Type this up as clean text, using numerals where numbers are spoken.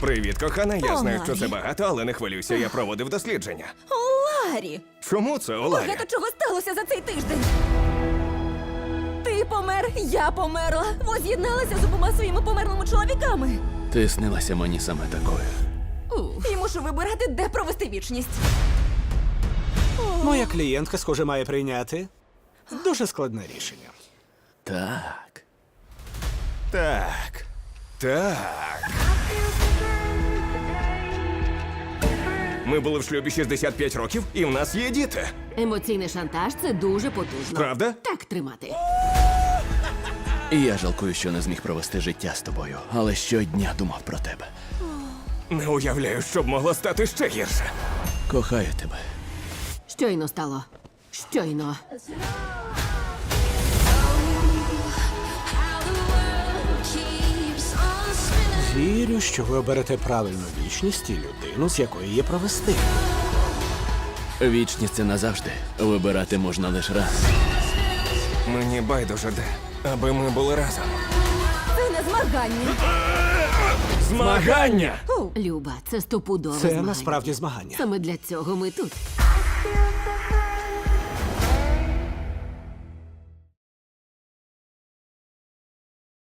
Привіт, кохана. Я О, знаю, що Ларі. це багато, але не хвилюйся, я проводив дослідження. О, Ларі! Чому це, Оларі? Багато чого сталося за цей тиждень. Ти помер, я померла. Воз'єдналася з обома своїми померлими чоловіками. Ти снилася мені саме такою. І мушу вибирати, де провести вічність. Моя клієнтка, схоже, має прийняти дуже складне рішення. Так. Так. Так. Ми були в шлюбі 65 років, і в нас є діти. Емоційний шантаж це дуже потужно. Правда? Так тримати. І я жалкую, що не зміг провести життя з тобою, але щодня думав про тебе. Не уявляю, що б могло стати ще гірше. Кохаю тебе. Щойно стало. Щойно. Вірю, що ви оберете правильну вічність і людину, з якої її провести. Вічність це назавжди. Вибирати можна лише раз. Мені байдуже де, аби ми були разом. Це не змагання. Змагання! Люба, це стопудове Це змагання. насправді змагання. Саме для цього ми тут. I feel the